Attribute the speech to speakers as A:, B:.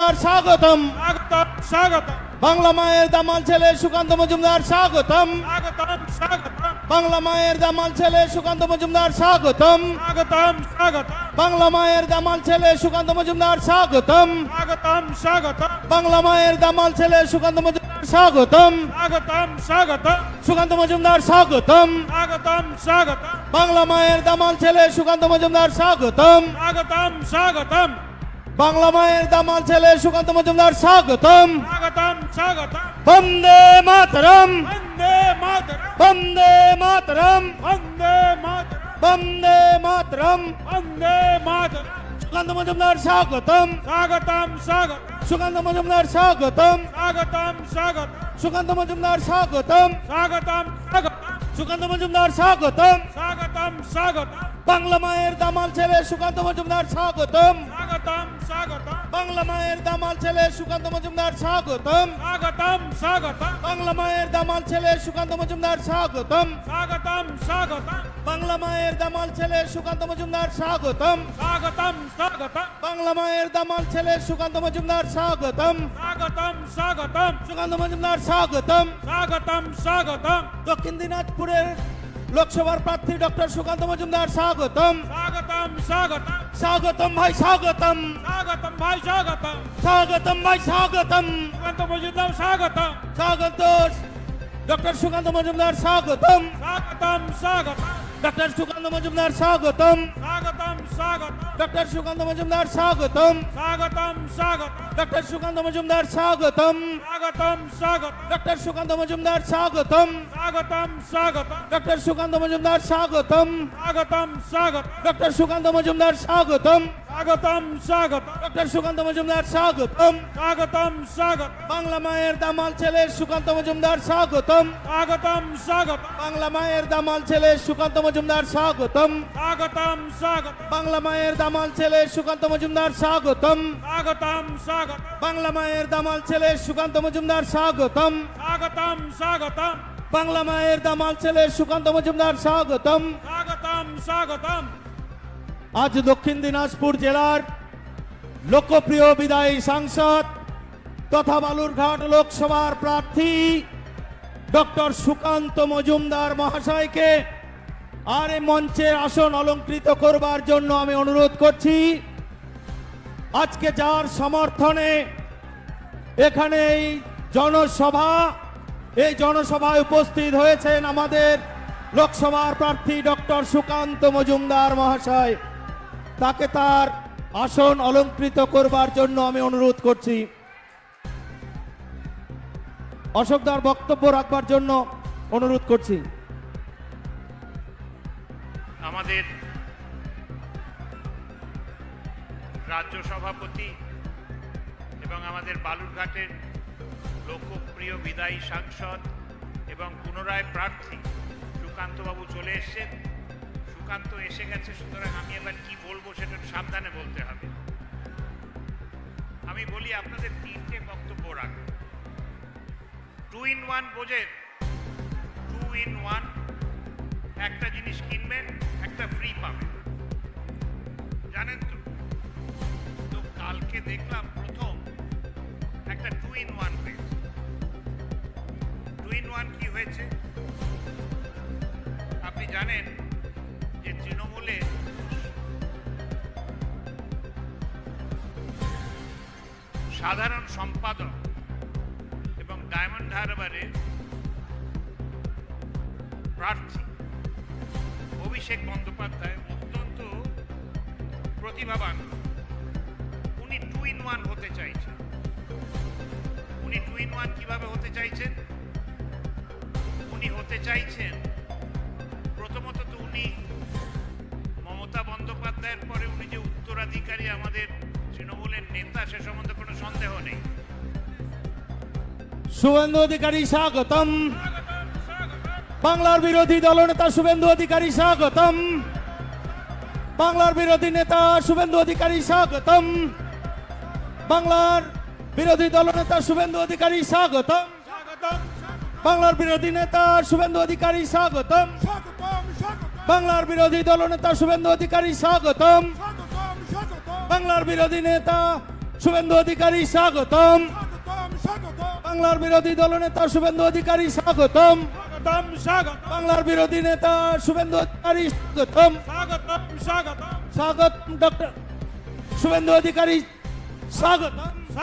A: স্বাগতম
B: স্বাগতম স্বাগতম
A: বাংলা মায়ের দামাল ছেলে সুকান্ত মজুমদার স্বাগতম
B: স্বাগতম স্বাগতম
A: বাংলা মায়ের দামাল ছেলে সুকান্ত মজুমদার স্বাগতম
B: স্বাগতম স্বাগতম
A: বাংলা মায়ের দামাল ছেলে সুকান্ত মজুমদার স্বাগতম
B: স্বাগতম স্বাগতম
A: বাংলা মায়ের দামাল ছেলে সুকান্ত মজুমদার স্বাগতম
B: স্বাগতম স্বাগতম
A: সুকান্ত মজুমদার স্বাগতম
B: স্বাগতম স্বাগতম
A: বাংলা মায়ের দামাল ছেলে সুকান্ত মজুমদার স্বাগতম
B: স্বাগতম স্বাগতম
A: বাংলা মায়ের দামাল ছেলে সুকান্ত মজুমদার স্বাগতম
B: স্বাগতম স্বাগতম
A: বন্দে মাতরম
B: বন্দে মাতরম
A: বন্দে মাতরম
B: বন্দে মাতরম
A: বন্দে মাতরম
B: বন্দে মাতরম
A: সুকান্ত মজুমদার স্বাগতম
B: স্বাগতম স্বাগতম
A: সুকান্ত মজুমদার স্বাগতম
B: স্বাগতম স্বাগতম
A: সুকান্ত মজুমদার স্বাগতম
B: স্বাগতম স্বাগতম
A: সুকান্ত মজুমদার স্বাগতম
B: স্বাগতম স্বাগতম
A: বাংলা মায়ের দামাল ছেলে সুকান্ত মজুমদার স্বাগতম
B: স্বাগতম স্বাগতম
A: বাংলা মায়ের দামাল ছেলে সুকান্ত মজুমদার স্বাগতম
B: স্বাগতম স্বাগতম
A: বাংলা মায়ের দামাল ছেলে সুকান্ত মজুমদার স্বাগতম
B: স্বাগতম স্বাগতম
A: বাংলা মায়ের দামাল ছেলে সুকান্ত মজুমদার স্বাগতম
B: স্বাগতম স্বাগতম
A: বাংলা মায়ের দামাল ছেলে সুকান্ত মজুমদার স্বাগতম
B: স্বাগতম স্বাগতম
A: সুকান্ত মজুমদার স্বাগতম
B: স্বাগতম স্বাগতম
A: দক্ষিণ দিনাজপুরের লোকসভার প্রার্থী ডক্টর সুকান্ত মজুমদার স্বাগতম
B: স্বাগতম স্বাগতম
A: স্বাগতম ভাই স্বাগতম
B: স্বাগতম ভাই স্বাগতম
A: স্বাগতম ভাই স্বাগতম
B: সুকান্ত মজুমদার স্বাগতম
A: স্বাগত ডক্টর সুকান্ত মজুমদার স্বাগতম
B: স্বাগতম স্বাগতম
A: ডক্টর সুকান্ত মজুমদার স্বাগতম
B: স্বাগতম স্বাগতম
A: ডক্টর সুকান্ত মজুমদার স্বাগতম
B: স্বাগতম স্বাগতম
A: ডক্টর সুকান্ত মজুমদার স্বাগতম
B: স্বাগতম স্বাগতম
A: ডক্টর সুকান্ত মজুমদার স্বাগতম
B: স্বাগতম স্বাগতম
A: ডক্টর সুকান্ত মজুমদার স্বাগতম
B: স্বাগতম স্বাগতম
A: ডক্টর সুকান্ত মজুমদার স্বাগতম
B: স্বাগতম স্বাগতম
A: ডক্টর সুকান্ত মজুমদার স্বাগতম
B: স্বাগতম স্বাগতম
A: বাংলা মায়ের দামাল ছেলে সুকান্ত মজুমদার স্বাগতম
B: স্বাগতম স্বাগতম
A: বাংলা মায়ের দামাল ছেলে সুকান্ত মজুমদার স্বাগতম
B: স্বাগতম স্বাগতম
A: বাংলা মায়ের দামাল ছেলে সুকান্ত মজুমদার স্বাগতম
B: স্বাগতম স্বাগতম
A: বাংলা মায়ের দামাল ছেলে সুকান্ত মজুমদার স্বাগতম
B: স্বাগতম স্বাগতম
A: বাংলা মায়ের দামাল ছেলে সুকান্ত মজুমদার স্বাগতম
B: স্বাগতম স্বাগতম
A: আজ দক্ষিণ দিনাজপুর জেলার লোকপ্রিয় বিদায়ী সাংসদ তথা বালুরঘাট লোকসভার প্রার্থী ডক্টর সুকান্ত মজুমদার মহাশয়কে আর এই মঞ্চের আসন অলঙ্কৃত করবার জন্য আমি অনুরোধ করছি। আজকে যার সমর্থনে এখানে এই জনসভায় উপস্থিত হয়েছেন আমাদের লোকসভার প্রার্থী ডক্টর সুকান্ত মজুমদার মহাশয়, তাকে তার আসন অলঙ্কৃত করবার জন্য আমি অনুরোধ করছি। অশোকদার বক্তব্য রাখবার জন্য অনুরোধ করছি।
C: আমাদের রাজ্য সভাপতি এবং আমাদের বালুরঘাটের লোকপ্রিয় বিদায়ী সাংসদ এবং পুনরায় প্রার্থী সুকান্তবাবু চলে এসেছেন। সুকান্ত এসে গেছে, সুতরাং আমি এবার কি বলবো সেটা সাবধানে বলতে হবে। আমি বলি আপনাদের তিনটে বক্তব্য রাখবো। 2 in 1 বোঝেন? 2 in 1, একটা জিনিস কিনবেন একটা ফ্রি পাবেন, জানেন তো? তো কালকে দেখলাম প্রথম একটা 2 in 1 হয়েছে। 2 in 1 কি হয়েছে আপনি জানেন? যে তৃণমূলে সাধারণ সম্পাদক এবং ডায়মন্ড হারবারের প্রার্থী অভিষেক বন্দ্যোপাধ্যায় অত্যন্ত প্রতিভাবান। উনি 2 in 1 হতে চাইছেন। উনি 2 in 1 কিভাবে হতে চাইছেন? উনি হতে চাইছেন প্রথমত তো উনি মমতা বন্দ্যোপাধ্যায়ের পরে উনি যে উত্তরাধিকারী আমাদের তৃণমূলের নেতা সে সম্বন্ধে কোনো সন্দেহ নেই।
A: শুভেন্দু অধিকারী স্বাগতম। বাংলার বিরোধী দলনেতা শুভেন্দু অধিকারী স্বাগতম। বাংলার বিরোধী নেতা শুভেন্দু অধিকারী স্বাগতম। বাংলার বিরোধী দলনেতা শুভেন্দু অধিকারী স্বাগতম। বাংলার বিরোধী নেতা শুভেন্দু অধিকারী স্বাগতম। বাংলার বিরোধী দলনেতা শুভেন্দু অধিকারী স্বাগতম। বাংলার বিরোধী নেতা শুভেন্দু অধিকারী স্বাগতম।
B: স্বাগতম স্বাগতম
A: বাংলার বিরোধী দলনেতা শুভেন্দু অধিকারী স্বাগতম।
B: স্বাগতম স্বাগতম
A: বাংলার বিরোধী নেতা শুভেন্দু অধিকারী স্বাগতম।
B: স্বাগতম স্বাগতম
A: স্বাগত ডক্টর শুভেন্দু অধিকারী স্বাগতম।